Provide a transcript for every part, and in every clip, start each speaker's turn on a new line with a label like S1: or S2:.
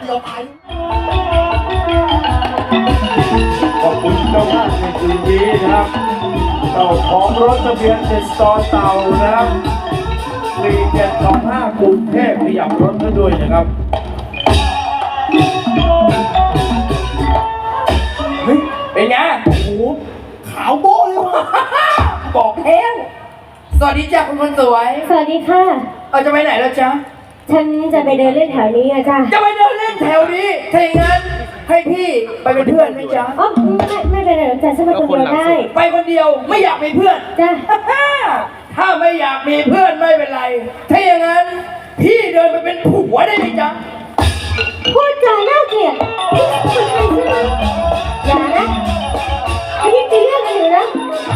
S1: เราตาย
S2: ขอบคุณเจ้าภาพในคืนนี้นะครับเจ้าของรถทะเบียนเป็นสตอเต่านะครับ4725กรุงเทพขยับรถให้ด้วยนะครับเฮ้ยเป็นไงโอ้โหขาวโบ้เลยว่ะบอกแห้งสวัสดีจ้าคุณคนสวย
S3: สวัสดีค่ะ
S2: จะไปไหนแล้วจ๊ะ
S3: ฉันจะไปเดินเล่นแถวนี้อะจ้ะ
S2: จะไปเดินเล่นแถวนี้ถ้าอย่างนั้นให้พี่ไปเป็นเพื่อนไหมจ๊ะ
S3: อ๋อไม่เป็นไรหรอกจ้ะฉันไปคนเดียวได้
S2: ไปคนเดียวไม่อยากมีเพื่อน
S3: จ้ะ
S2: ถ้าไม่อยากมีเพื่อนไม่เป็นไร ถ้าอย่างนั้นพี่เดินไปเป็นผัวได้ไหมจ๊ะ
S3: พูดจาน่าเกลียดนี่คุณใครใช่ไหมอย่านะอันนี้ตีเรื่องกันอยู่นะ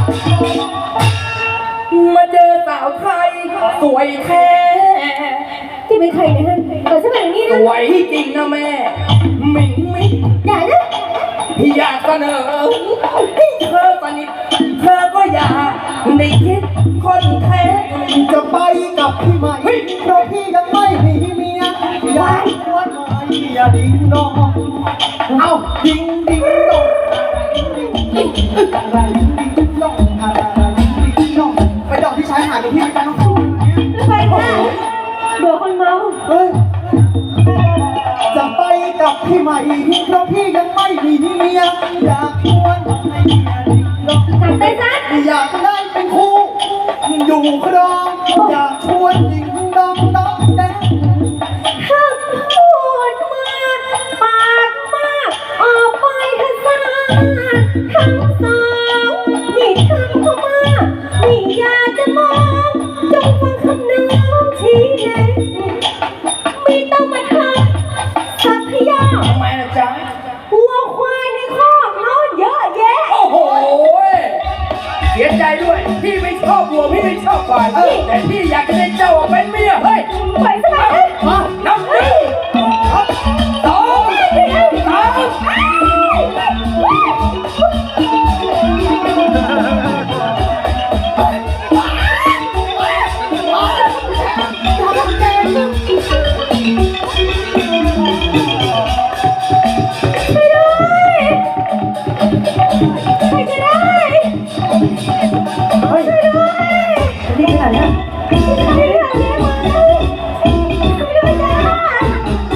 S2: มาเจอสาวไทยสวยแท้
S3: ที่เป็นใครนะฮะเปิดสมัยนี้
S2: ส
S3: นะ
S2: วยจริงนะแม่มิงมิง
S3: อย่านะ
S2: พี่อยากเสนอให้เธอสนิทเธอก็อยากได้คิดคนแท้
S1: จะไปกับพี่ใหม่เพราะพี่ยังไม่มีเมียอยากชวนหน่อยอย่าดิ้งดองเอาดิ้งดิ้งดองอะไรดิ้งดองอะไรดิ้งดองไปดอกที่ชายหาดกับพี่กันน้อง
S3: ไปค่ะเดี๋ยวคนเมา
S1: เฮ้ยจะไปกับพี่ใหม่เพราะพี่ยังไม่มีเมียอยากชวนให้เมียดิ้งดอง
S3: กลับไปซะ
S1: อยากได้เป็นคู่อยู่ครองอยากชวนดิ้งดองดองแดง
S3: ถ้าพูดมากปากมากออกไปทัศนาทั้งสองนี่ทำเข้ามานี่อยากจะมองจงฟังคำน้องชี้แนะไม่ต้องมาทำสักยา
S2: ทำไมล่ะจ๊ะ
S3: วัวควายในคอกนอนเยอะแยะ
S2: โอ้โห เสียใจด้วย พี่ไม่ชอบวัวพี่ไม่ชอบควายแต่พี่อยากจะได้เจ้าเป็นเมีย เฮ้ย
S3: ไปสมัยนะ
S2: นับหนึ่งสองสาม
S3: ไปจะได้
S1: เฮ้ยนี่ขนาดนี้
S3: ไปเรื่องนี้มาไปด้วยจ้า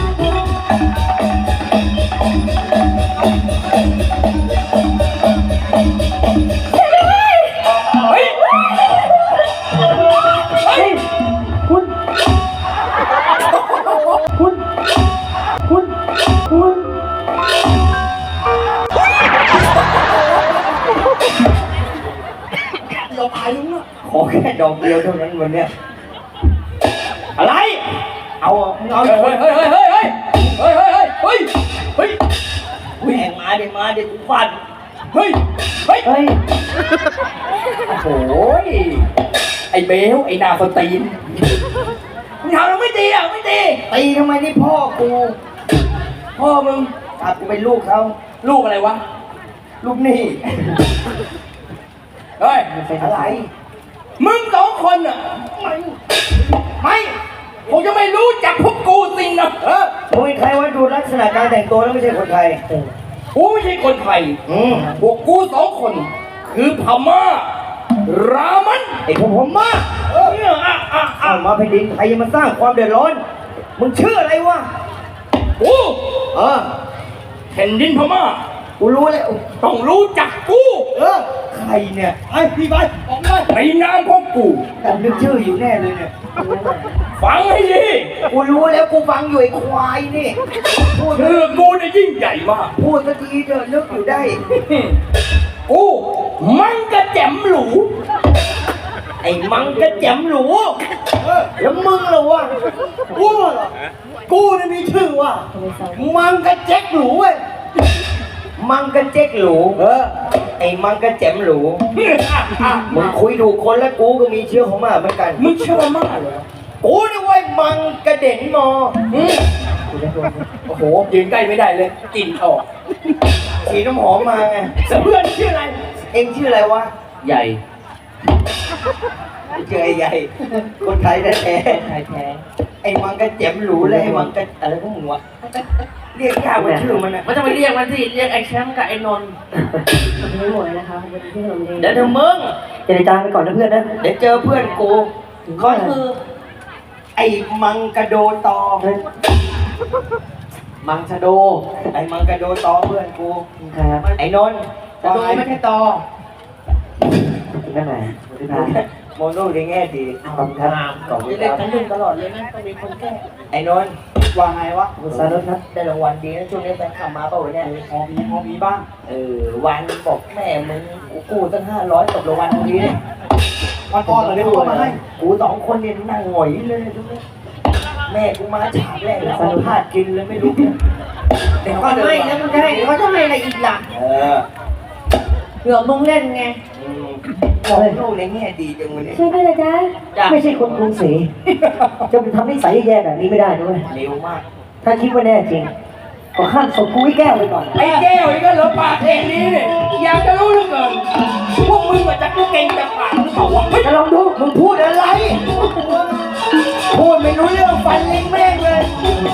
S2: เฮ้ย เฮ้ย
S1: คุณ คุณ คุณ คุณ เราตายแล้วนะ
S2: ขอแค่ดอกเดียวเท่านั้นวันเนี้ยอะไร เอาเฮ้ยเฮ้ยเฮ้ยเฮ้ยเฮ้ยเฮ้ยเฮ้ยเฮ้ยเฮ้ยแหงมาเดี๋ยวกูฟัน เฮ้ย เฮ้ย
S1: เฮ้ย
S2: โอ้โหไอ้เบลไอ้นาคนตีนมึงทำแล้วไม่ตีอ่ะไม่ตี
S1: ตีทำไมนี่พ่อกู
S2: พ่อมึง
S1: อาจกูเป็นลูกเขา
S2: ลูกอะไรวะ
S1: ลูกหนี่
S2: เฮ้ย
S1: อะไร
S2: มึงสองคนอ่ะไม่ผมจะไม่รู้จักพวกกูสิงนะ
S1: มึงเป็นใครวะดูลักษณะการแต่งตัวแล้วไม่ใช่คนไทย
S2: กูไม่ใช่คนไทย พวกกูสองคน คือพม่า รามัน
S1: ไอ้ผมมาก
S2: เนี่ย
S1: มาแผ่นดินไทยยังมาสร้างความเดือดร้อน มึงชื่ออะไรวะ
S2: กู
S1: เออ
S2: แผ่นดินพม่า
S1: กูรู้แล้ว
S2: ต้องรู้จักกู
S1: ใครเนี่ยไอ้พี่ไปออกไป
S2: ในนามของกู
S1: ผมนึกชื่ออยู่แน่เลยเนี่ย
S2: ฟังให้ดี
S1: กูรู้แล้วกูฟังอยู่ไอ้ควายนี่ พูด
S2: ชื่อกูเนี่ยยิ่งใหญ่มาก
S1: พูดสักทีเถอะนึกอยู่ได้
S2: กูมันกระแจ่มหรู
S1: ไอ้มังกระแจมหรูแล้วมึงเหรอวะกูเหรอกูนี่มีชื่อว่ามังกระแจ็คหรูเว้ยมังกระแจ็คหรูไอ้มังกระแจมหรูมึงคุยถูกคนแล้วกูก็มีเชื้อของมาเหมือนกัน
S2: มึงเชื่อมากเหรอ
S1: กูนี่เว้ยมังกระเด็นมอ
S2: โอ้โหยืนใกล้ไม่ได้เลยกลิ่นออก
S1: ฉีดน้ำหอมมาไง
S2: เพื่อนชื่ออะไร
S1: เอ็งชื่ออะไรวะ
S2: ใหญ่
S1: ชื่อไอ้ใหญ่ คนไทยแท้
S2: ไทยแท้
S1: ไอ้มังกระเจ็มหรูเลยไอ้มังกระอะไรพวกมึงวะเรียกยากกว่าชื่อมันนะ
S2: มันจะไปเรียกมันสิเรียกไอ้แชมป์กับไอ้นนท์
S3: ไม่หมดนะคะวันที่เราเรียน
S1: เดี๋ยวเธอมึง
S4: เจรจาไปก่อนนะเพื่อนนะ
S1: เดี๋ยวเจอเพื่อนกูก็คือ ไอ้มังกระโดตอ มังชะโด ไอ้มังกระโดตอเพื่อนกู
S4: ครับ
S1: ไอ้นนท์ชะโดไม่ใช่ตอ
S4: ได้ไหมสวัสดีครับ
S1: โมโน่ในแง่ดี
S4: ขอบคุณครับ
S1: ขอบคุณ
S2: เรี
S1: ค
S2: ยก
S1: รับ
S2: กันหนึ่งตลอดเลยนะต้องมีคนแก้
S1: ไอ้นนท์ว่าไงวะ
S4: คุณสารุตครับ
S1: ได้รางวัลดีนะช่วงนี้แฟนขับมาเปล่าวะเนี่ยพอมีบ้าง วันบอกแม่มึงกูตั้ง500ตกรางวัลนี้เนี่ยวันก่อนเราได้ตัวมาให้กู2 คนเนี่ยนั่งหงอยเลยทุกนี้แม่กูมาฉากแรกแล้วเอาพลาดกินเลยไม่รู้เนี่ย
S2: เดี๋ยวก็ไม่แล้วมึงจะให้เดี๋ยวเขาจะให้อะไรอีกล่ะ
S1: อ
S2: เผื่อมึงเล่นไง
S1: มองโลกในแง่ดีจังเลยเนี่ย
S3: ช่วยด้วยนะจ๊ะ
S2: จ้ะ
S4: ไม่ใช่คนกรุงศรีจะไปทำนิสัยแย่แบบนี้ไม่ได้ด้วย
S1: เร็วมาก
S4: ถ้าคิดว่าแน่จริงก็ข้ามศพกูให้แก้วไปก่อน
S2: ไอ้แก้วนี่ก็เหลือปากเองนี้เนี่ยอยากจะรู้เหลือเกินพวกมึงมาจากกูเก่งจากปากหรือเปล่าวะ
S4: จะลองดู
S1: มึงพูดอะไร พูดไม่รู้เรื่องฟันลิงแม่งเลย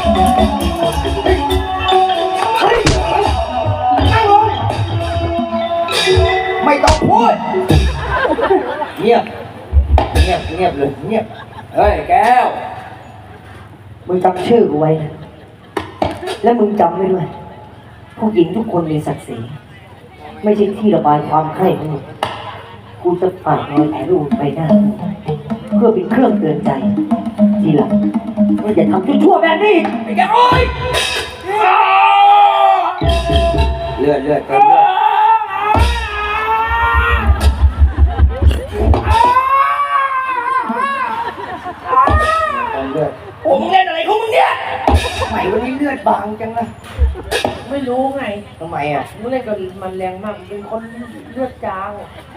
S1: เฮ้ยนั่งลงไม่ต้องพูด เงียบ เงียบเงียบเลยเงียบ
S2: เฮ้ยแก้ว
S4: มึงจำชื่อกูไว้นะและมึงจำไว้ด้วยผู้หญิงทุกคนมีศักดิ์ศรีไม่ใช่ที่ระบายความใคร่ของมึงกูจะฝากรอยแผลรูปไปหน้าเพื่อเป็นเครื่องเตือนใจ ทีหลังมึงอย่าทำชั่วๆแบบนี้อีก
S2: ไอ้แก้วโอ๊ย
S1: เลือดเลือดเติมเลือดเติมเลือด
S2: โอ้มึงเล่นอะไรของมึงเนี่ย
S1: ไหนวันนี้เลือดบางจังนะ
S2: ไม่รู้ไง
S1: ทำไมอ่ะ
S2: มึงเล่นกับมันแรงมากเป็นคนเลือดจาง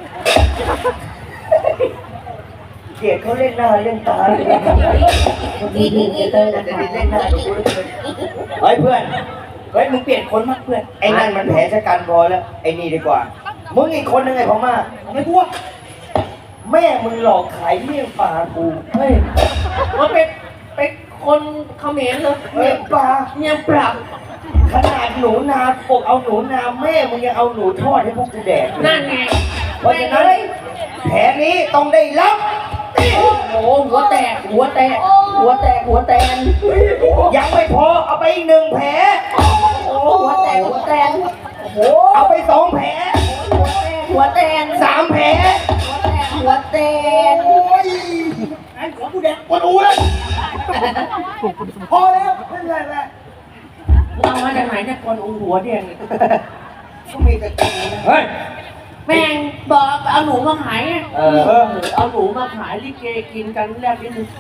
S1: เกลียดเขาเล่นหน้าเล่นตาเลย
S3: ดีดีเตอร์นะคะ
S1: เล่นหน้าดูเลยเฮ้ยเพื่อน เฮ้ยมึงเปลี่ยนคนมากเพื่อน ไอ้นั่นมันแผลชะกันพอแล้ว ไอ้นี่ดีกว่า มึงอีกคนนึงไงพ่อมาไม่กลัวแม่มึงหลอกขายเมี่ยงปลากู
S2: เฮ้ยมันเป็นคนเขมรเหรอ
S1: เมี่ยงปลา
S2: เนี่ยปรับ
S1: ขนาดหนูนาปกเอาหนูนาแม่มึงยังเอาหนูทอดให้พวกกูแดก
S2: นั่นไง
S1: เพราะฉะนั้นแผลนี้ต้องได้รับ
S2: โอ้โหหัวแตกหัวแตกหัวแตกหัวแตน
S1: ยังไม่พอเอาไปอีก1 แผล
S2: โอ้หัวแตกหัวแตนโอ้โห
S1: เอาไป2 แผล
S2: หัวแตน
S1: 3 แผล
S2: หัวแตน
S1: โอ้ยไอ้ของกูแดกปวดอูเลยพอแล้วไม่เป็นไรแล้ว
S2: มึงเอามาจากไหนเนี่ยคนองหัวแดงเนี่ย
S1: ก็มีแต่กูนะ
S2: เฮ้ยแม่งบอกเอาหนูมาขายไง เอาหนูมาขายลิเกกินกันแรกนิดนึง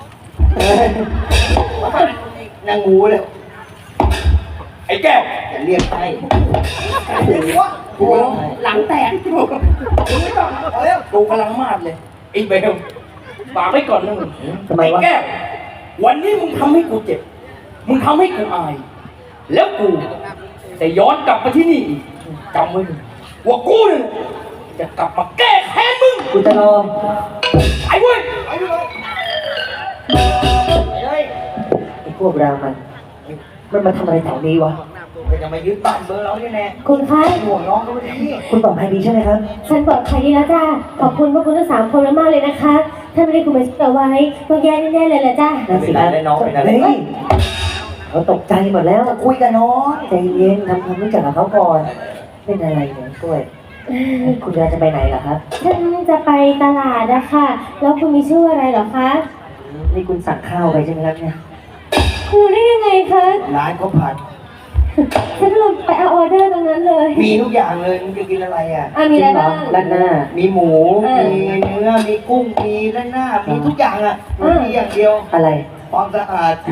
S1: นางงูเลย
S2: ไอ้แก้ว
S1: จะเรียกให้
S2: โอ้หลังแตกไม่ต้องเอาแล้วกูกำลังมาดเลยไอ้เบลฝากไว้ก่อนนะมึง
S4: ทำไมวะ
S2: อ้แก้ววันนี้มึงทำให้กูเจ็บ มึงทำให้กูอาย แล้วกูจะย้อนกลับมาที่นี่อีกจำไว้เลยว่ากูเนี่ยจะกลับมาแก้แค้นมึง
S4: กูจะรอ
S2: ไอ้เว้ย
S1: เฮ้ย
S4: ไอ้พวกเรามันมาทำอะไรแถวนี้วะ
S1: มันจะมายึดบ้านเบอร์เราเนี่ยแน่
S3: คุณคะ
S1: ห่วงน้องก็ไม่ได้
S4: คุณปลอดภัยดีใช่ไหมครับ
S3: ฉันปลอดภัยดีแล้วจ้าขอบคุณพวกคุณทั้ง3 คนมากๆเลยนะคะ ถ้าไม่ได้คุณมาช่วยเอาไว้ต้องแย่แน่ๆเลยแหละจ้า
S4: นั่นสิครับเฮ้ยเขาตกใจหมดแล้ว
S1: คุยกับน้อง
S4: ใจเย็นทำความรู้จักกับเขาก่อน เป็นอะไรเนี่ยกล้วย คุณยายจะไปไหนเหรอครับ
S3: ฉันจะไปตลาดนะคะแล้วคุณมีชื่ออะไรเหรอคะ
S4: นี่คุณสั่งข้าวไปใช่ไหมครับเนี่ย
S3: คุณรู้ได้ยังไงคะ
S1: ร้านก็ผัด
S3: ฉันก็ลงไปเอาออเดอร์ตรงนั้นเลย
S1: มีทุกอย่างเลยมึงจะกินอะไรอ่ะ
S3: มีอะไรบ้าง
S4: ด้านหน้า
S1: มีหมู มีเนื้อ มีกุ้ง มีด้านหน้า มีทุกอย่างอ่ะมีอย่างเดียว
S4: อะไร
S1: ความสะอาด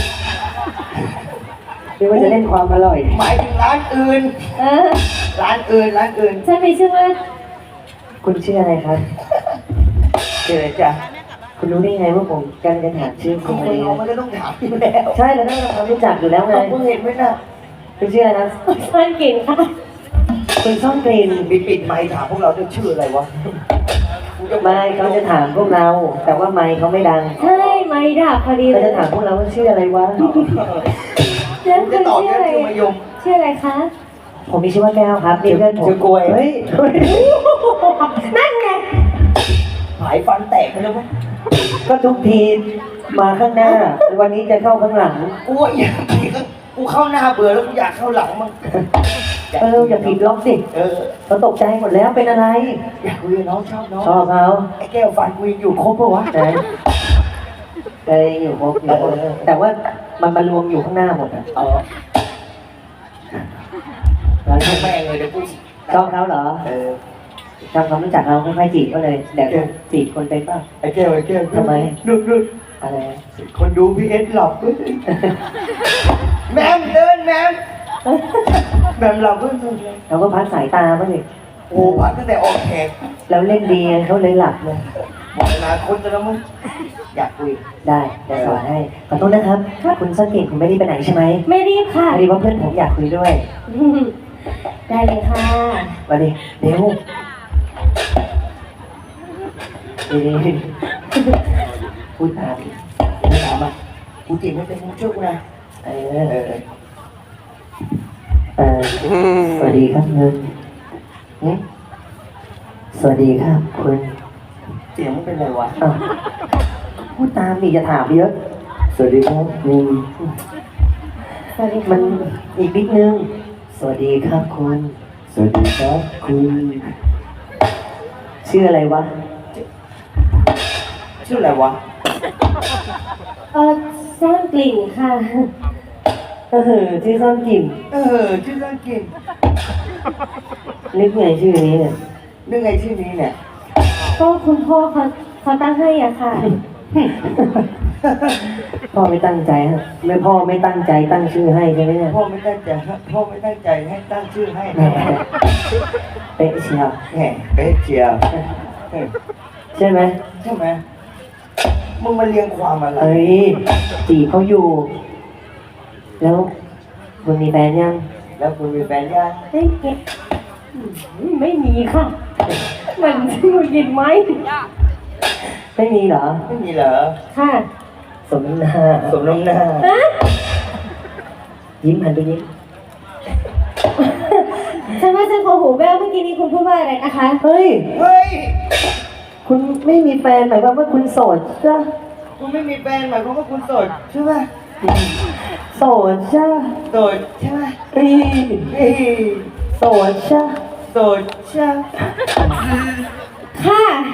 S4: เรียกว่าจะเล่นความอร่อย
S1: หมายถึงร้านอื่น
S3: เออ
S1: ร้านอื่น ร้านอื่น
S3: ฉันมีชื่อว่า
S4: คุณชื่ออะไรครับ
S1: เจอจ้ะ
S4: คุณรู้ได้ไงว่าผมกำลังจะถามชื่อ
S1: ค
S4: คุณ
S1: น
S4: อะไร
S1: เราไม่ได้ต้องถามอยู่แล้ว
S4: ใช่เราต้องทำความรู้จักอยู่แล้วไง
S1: มึงเห็นไหมน่ะ
S4: คุณชื่ออะไรนะ
S3: ซ่อนกลิ่นค่ะ
S4: คุณซ่อนกลิ่น
S1: มีปิดไมค์ถามพวกเราด้วยชื่ออะไรวะ
S4: ไม่เขาจะถามพวกเรา แต่ว่าไมค์เขาไม่ดัง
S3: ใช่ไม่ดับพอดีเล
S4: เขา
S3: ย
S4: จะถามพวกเราว่าชื่ออะไรวะ
S3: แล้ว
S1: จะ
S3: คุณ
S1: ตอบ
S3: ชื่อ
S1: เรื่
S3: อะไร
S1: องมายม
S3: ชื่ออะไรคะ
S4: ผมมีชื่อว่าแก้วครับนี่เพื่อนผม
S1: ชื่อกล้วย
S4: เฮ้ย
S3: นั่นไง
S1: หายฟันแตกไปแล้วมั้ง
S4: ก็ทุกทีมาข้างหน้า วันนี้จะเข้าข้างหลัง
S1: กูว่าอยากกูเข้าหน้าเบื่อแล้วกูอยากเข้าหลังมั้ง
S4: อย่าผิดล็อกสิ เขาตกใจหมดแล้วเป็นอะไร
S1: อยากคุยกับน้องชอบน้อง
S4: ชอบเขา
S1: ไอ้แก้วฟันกูยังอยู่ครบปะวะ
S4: ไหนเคยอยู่ครบอยู่แต่ว่ามันมารวมอยู่ข้างหน้าหมดอ่ะ
S1: เออ
S4: แล้ว
S1: ช่างแม่งเลยเดี๋ยวกู
S4: ชอบเขาเหรอทำความรู้จักเราค่อยๆจีบก็เลยเดี๋ยวจีบคนไปป่ะ
S1: ไอ้แก้วทำไมดู
S4: อะไร
S1: คนดูพี่เอสหลับเว้ยแมมเดินแมมหลับเว้ย
S4: เราก็พักสายตาบ้างดิ
S1: โอ้พักตั้งแต่ออกแขก
S4: แล้วเล่นดีเขาเลยหลับเลย
S1: หมดอนาคตจะแล้วมึงอยากคุย
S4: ได้จะสอนให้ขอโทษนะครับ คุณสังเกตผมไม่ได้ไปไหนใช่ไหม
S3: ไม่รีบค่ะ
S4: พอดีว่าเพื่อนผมอยากคุยด้วย
S3: ได้เลยค่ะ
S4: มาดิเร็วดีพูดตาม
S1: ไม่ถามอ่ะกูจีบไม่เป็นมึงช่วยกูนะ
S4: เออสวัสดีครับเงินสวัสดีครับคุณ
S1: เสียงมันเป็นไรวะ
S4: อ้าวพูดตามดิจะถามเยอะ สวัสดีครับคุณ
S3: สวัสดี
S4: มั
S3: ค่ะ
S4: นอีกนิดนึง สวัสดีครับคุณ สวัสดีครับคุณชื่ออะไรวะ
S1: ชื่ออะไรวะ
S3: สร้างกลิ่นค่ะ
S4: ชื่อซ่อนกลิ่น
S1: ชื่อเรื่องกิน
S4: นึกไงชื่อนี้เนี่ย
S1: นึกไงชื่อนี้เนี่ย
S3: ก็คุณพ่อเขาตั้งให้อ่ะค่ะ
S4: พ่อไม่ตั้งใจฮะไม่พ่อไม่ตั้งใจตั้งชื่อให้ใช่ไหมเนี่ย
S1: พ่อไม่ตั้งใจให้ตั้งชื่อให้
S4: แหมเป๊ะเชียว
S1: แหมเป๊ะเชียว
S4: ใช่ไหม
S1: ใช่ไหมมึงมาเรียงความอะไร
S4: เอ้ยจีบเขาอยู่ แล้วคุณมีแฟนยัง
S1: แล้วคุณมีแฟนยัง
S3: ไม่มีค่ะ มันชื่อยินไหม
S4: ไม่มีเหรอ
S1: ไม่มีเหรอ
S3: ค่ะ
S4: สมน้ำหน้า
S1: สมน้ำหน้า
S3: ฮะ
S4: ยิ้มหันไปยิ้ม
S3: ฉันว่าฉันขอหูแว่วเมื่อกี้นี้คุณพูดว่าอะไรนะคะ
S4: เฮ้ย
S1: เฮ้ย
S4: คุณไม่มีแฟนหมายความว่าคุณโสดจ้ะ
S1: คุณไม่มีแฟนหมายความว่าคุณโสดใช่ไหม
S4: โสดจ้ะ
S1: โสดใช่ไหม
S4: เฮ้ย
S1: เฮ้ย
S4: โสดจ้ะ
S1: โสดใช่ไหม
S3: ค่ะ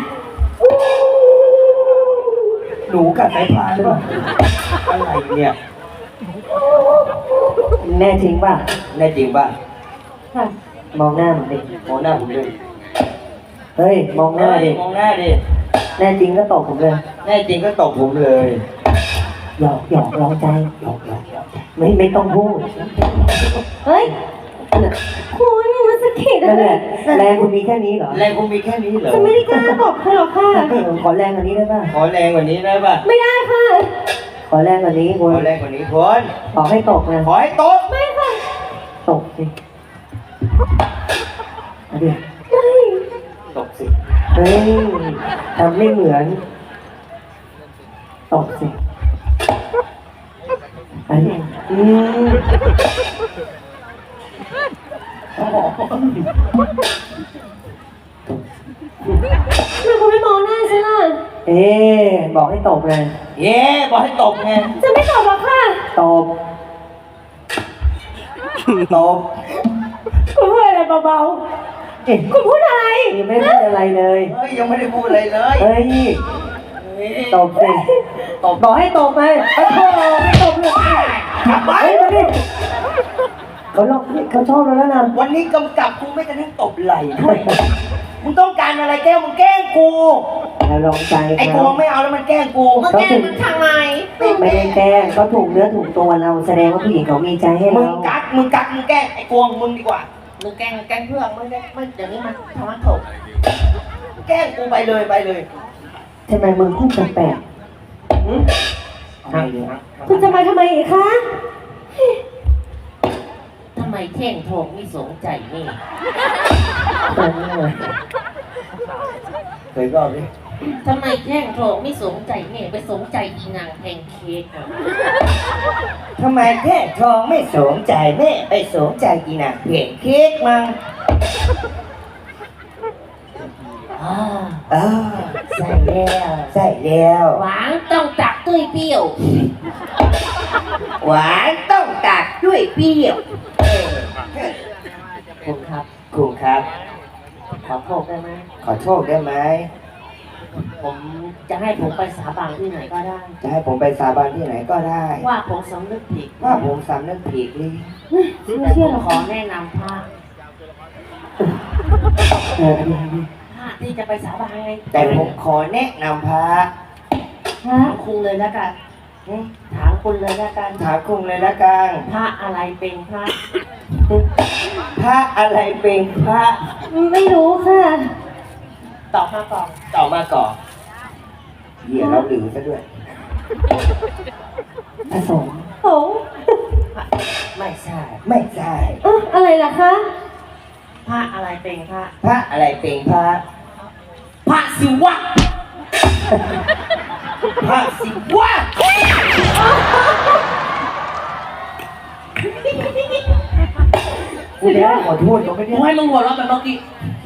S1: หนูกัดสายพานหรือเปล่าอะไรเนี่ย
S4: แน่จริงป่ะ
S1: แน่จริงป่ะ
S3: ค่ะ
S4: มองหน้าผมดิ
S1: มองหน้าผมเลย
S4: เฮ้ยมองหน้าดิ
S1: มองหน้าดิ
S4: แน่จริงก็ตบผมเลย
S1: แน่จริงก็ตบผมเลย
S4: หยอกหยอกลองใจหยอกไม่ต้องพูด
S3: เฮ้ย คุณมันสะกิดอะ
S4: นั่น
S3: ไร
S4: แหละแรงคุณมีแค่นี้เหรอ
S1: แรงคุณมีแค่นี้เหรอ
S3: ฉันไม่ได้กล้าตบคุณหรอกค่ะ
S4: ขอแรงกว่านี้ได้ป่ะ
S1: ขอแรงกว่านี้ได้ป่ะ
S3: ไม่ได้ค่ะ
S4: ขอแรงกว่านี้
S1: ข
S4: คุ
S1: อ
S4: ณ
S1: แรงกว่านี้คน
S4: ขอให้ตกนะ
S1: ขอให้ตบ
S3: ไม่ค่ะ
S4: ตกสิเอาดิ
S3: ไม่
S1: ตบสิ
S4: เฮ้ยทำไม่เหมือนตกสิอันนี้
S3: ทำไมคุณไม่มองหน้าฉันล่ะ
S4: บอกให้ตกเลย
S1: เย้บอกให้ตบไง
S3: ฉันไม่ตบหรอกค่ะ
S4: ตบ
S1: ตบ
S3: คุณพูดอะไรเบา
S4: เอ๊ะ
S3: ๆ คุณพูดอะไร
S4: ยังไม่พูดอะไรเลย
S1: เฮ้ยยังไม่ได้พูดอะไรเลย
S4: เฮ้ยตบสิตบบอกให้ตบไปโอ้โหไม่ตบเลย
S1: กลับไป
S4: เฮ้ยมาดิเขาชอบเราแล้วนะ
S1: วันนี้กำกับกูไม่กระทั่งตบไหล่ด้วยมึงต้องการอะไรแก้วมึงแกล้งกู
S4: เราลองใจ
S1: ไอ้
S4: เขา
S1: กูไม่เอาแล้วมันแกล้งกู
S3: มาแกล้งมันทำไม
S4: ไม่ได้แกล้งเขาถูกเนื้อถูกตัวเราแสดงว่าผู้หญิงเขามีใจให้
S1: มึ
S4: เรา
S1: งกักมึงแกล้งไอ้กวงมึงดีกว่ามึงแกล้งเพื่อนไม่ได้ไม่เดี๋ยวนี้มันทำมันถูกแกล้งกูไปเลยไปเลย
S4: ทำไมมึงพูดแปลก
S3: คุณจะมาทำไมอีกคะ
S5: ทำไมเท่งโถงไม่สนใจนี่
S4: ๆ
S1: เคยก็ดิ
S5: ทำไมแท่งโถไม่สนใจแม่ไปสนใจอีนางแพนเค้กอ่ะ
S1: ทำไมแค่ทองไม่สนใจแม่ไปสนใจกีน่ะเพียงเค้กมั้ง
S5: อ่า
S1: ใส่แล้วใส่แล้ว
S5: หวานต้องตักด้วยเปรี้ยว
S1: หวานต้องตัดด้วยเปรี้ยว
S5: คุณครับ
S1: ครูครับ
S5: ขอโทษได้ไหม
S1: ขอโทษได้ไหม
S5: ผมจะให้ผมไปสาบานที่ไหนก็ได้
S1: จะให้ผมไปสาบานที่ไหนก็ได้
S5: ว่าผมสำนึกผิด
S1: ว่าผมสำนึกผิดเลย
S3: ไม่เชื่อหรอก
S5: ขอแนะนำพระ
S4: อันนี้
S5: พระที่จะไปสาบานไง
S1: แต่ผมขอแนะนำพระ
S3: ฮะ
S5: ถามคุณเลยแล้วกันถามคุณเลยแล้วกัน
S1: ถามคุณเลยละกัน
S5: พระอะไรเป็นพระ
S1: พระอะไรเป็นพระ
S3: ไม่รู้ค่ะ
S5: ตอบมาก่อน
S1: ต่อมาก่อนเหี้ยเราลือซะด้วย
S4: ผสม
S3: โอ้
S1: ไม่ใช่ ไม่ใช่
S3: อะไรล่ะคะ
S5: พระอะไรเป็นพระ
S1: พระอะไรเป็นพระ
S5: พระศิวะ
S1: พระศิวะกูแล้วขอโทษเขาไม่
S5: กู
S1: ได้
S5: ให้มึงหัวเราะแบบเมื่อกี้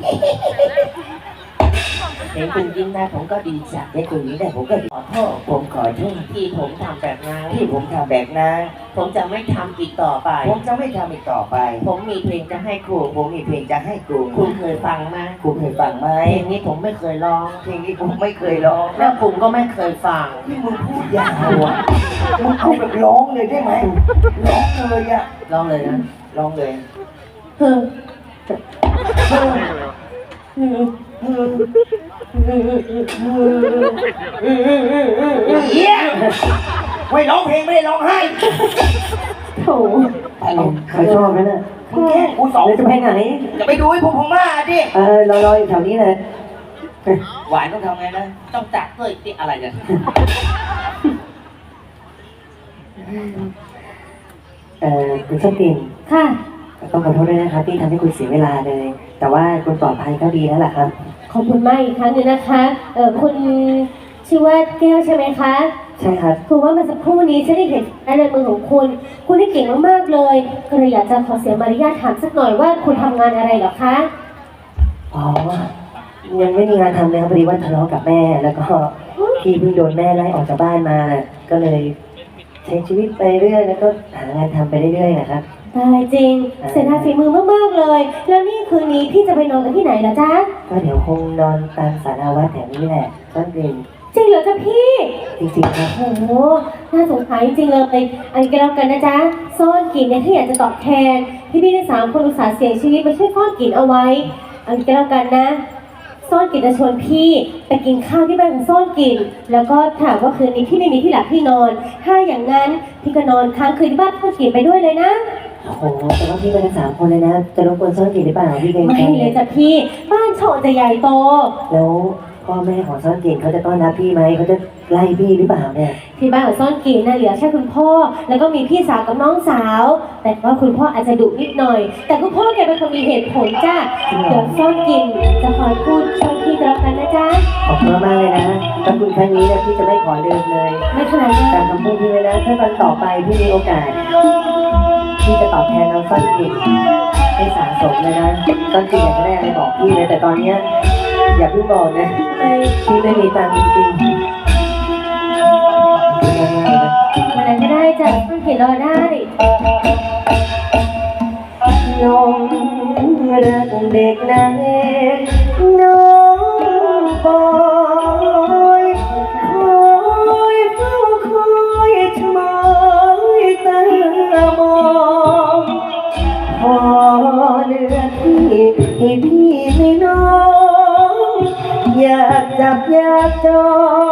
S5: เห็นคุณยิ้มได้ผมก็ดีใจ
S1: ในกลุ่มนี้ได้ผมก็ขอโทษผมขอโทษ
S5: ที่ผมทำแบบนั้น
S1: ที่ผมทำแบบนั้น
S5: ผมจะไม่ทำอีกต่อไป
S1: ผมจะไม่ทำอีกต่อไป
S5: ผมมีเพลงจะให้ครู
S1: ผมมีเพลงจะให้ครู
S5: คุณเคยฟังไหม
S1: ครูเคยฟังไหม
S5: เพลงนี้ผมไม่เคยร้อง
S1: เพลงนี้ผมไม่เคยร้อง
S5: แล้วคุณก็ไม่เคยฟัง
S1: ที่มึงพูดยาวอ่ะมึงเอาแบบร้องเลยได้ไหมร้องเลยอ่ะ
S5: ร้องเลยนะ
S1: ร้องเลย
S3: เฮ้อ
S1: เหี้ยไม่ร้องเพลงไม่ได้ร้องไห้
S3: โถ
S4: เขาชอบนั่นน่ะ
S1: มึงแกล้งกูสอง
S4: แล้วจะไปไหน
S1: จะไปดูให้พวกผมมาดิ
S4: รออยู่แถวนี้เลย
S1: หวานต้องทำไงนะ
S5: ต้องจักด้วยที่อะไรเนี่ย
S4: คุณส้มติ่น
S3: ค่ะ
S4: ต้องขอโทษด้วยนะครับที่ทำให้คุณเสียเวลาเลย แต่ว่าคุณปลอดภัยก็ดีแล้วล่ะครับ
S3: ขอบคุณมากอีกครั้งหนึงนะคะ คุณชื่อว่าแก้วใช่ไหมคะ
S4: ใช่ครับ
S3: คือว่าเมื่อสักครู่นี้ฉันได้เห็นในมือของคุณ คุณได้เก่งมากๆเลย ก็เลยอยากจะขอเสียมารยาทถามสักหน่อยว่าคุณทำงานอะไรเหรอคะ
S4: อ๋อ ยังไม่มีงานทำเลยครับพอดีว่าทะเลาะกับแม่ แล้วก็พี่เพิ่งโดนแม่ไล่ออกจากบ้านมา ก็เลยใช้ชีวิตไปเรื่อยแล้วก็หางานทำไปเรื่อยๆนะครับ
S3: ตายจริง เสียดายฝีมือมากๆเลย แล้วนี่คืนนี้พี่จะไปนอนกันที่ไหนล่ะจ๊ะ
S4: ก็เดี๋ยวคงนอนตามศาลาวัดแถวนี้แหละต้นเดือน
S3: จริงเหรอจ๊ะพี่
S4: จริงๆครับ
S3: โอ้โห น่าสงสารจริงๆเลย อันนี้ก็แล้วกันนะจ๊ะ ซ่อนกลิ่นเนี่ยถ้าอยากจะตอบแทนพี่ทั้ง3 คนอุตส่าห์เสี่ยงชีวิตมาช่วยซ่อนกลิ่นเอาไว้ อันนี้ก็แล้วกันนะ ซ่อนกลิ่นจะชวนพี่ไปกินข้าวที่บ้านของซ่อนกลิ่น แล้วก็ถามว่าคืนนี้พี่ไม่มีที่หลับที่นอน ถ้าอย่างนั้นพี่ก็นอนค้างคืนที่บ้านซ่อนกลิ่นไปด้วยเลยนะ
S4: โอ้โหแต่ว่าพี่เป็นทั้ง3 คนเลยนะ จะรบกวนซ่อนกลิ่นหรือเปล่าพี่เกรง
S3: ไม่
S4: ใจ
S3: เลยจ้ะพี่ บ้านโฉดจะใหญ่โต
S4: แล้วพ่อแม่ของซ่อนกลิ่นเขาจะต้อนรับพี่ไหมเขาจะไล่พี่หรือเปล่าเนี่ย
S3: ที่บ้านของซ่อนกลิ่นน่ะเหลือแค่คุณพ่อ แล้วก็มีพี่สาวกับน้องสาว แต่ว่าคุณพ่ออาจจะดุนิดหน่อย แต่คุณพ่อแกเป็นคนมีเหตุผลจ้ะเดี๋ยวซ่อนกลิ่นจะคอยพูดช่วยพี่ก็แล้วกันนะจ๊ะ
S4: ขอบคุณมากๆเลยนะถ้าคุณครั้งนี้เนี่ยพี่จะไม่ขอลืมเลย
S3: ไม่ขนาดนั้น
S4: ตามคำพูดพี่เลยนะถ้าวันต่อไปพี่มีโอกาสพี่จะตอบแทนน้องซ่อนกลิ่นให้สะสมเลยนะซ่อนกลิ่นอยากจะได้อะไรบอกพี่เลยแต่ตอนเนี้ยอย่าเพิ่งบอกนะพี่ไม่มีตังค์จริงๆง่ายๆนะ
S3: วันนั้นก็ได้จ้ะซ่อนกลิ่นรอได้
S4: น้องรักเด็กนางเอกน้องปอยคอยเฝ้าคอยชะมอยตามองพอเลือที่ให้พี่ไม่น้องอยากจับอยากจอง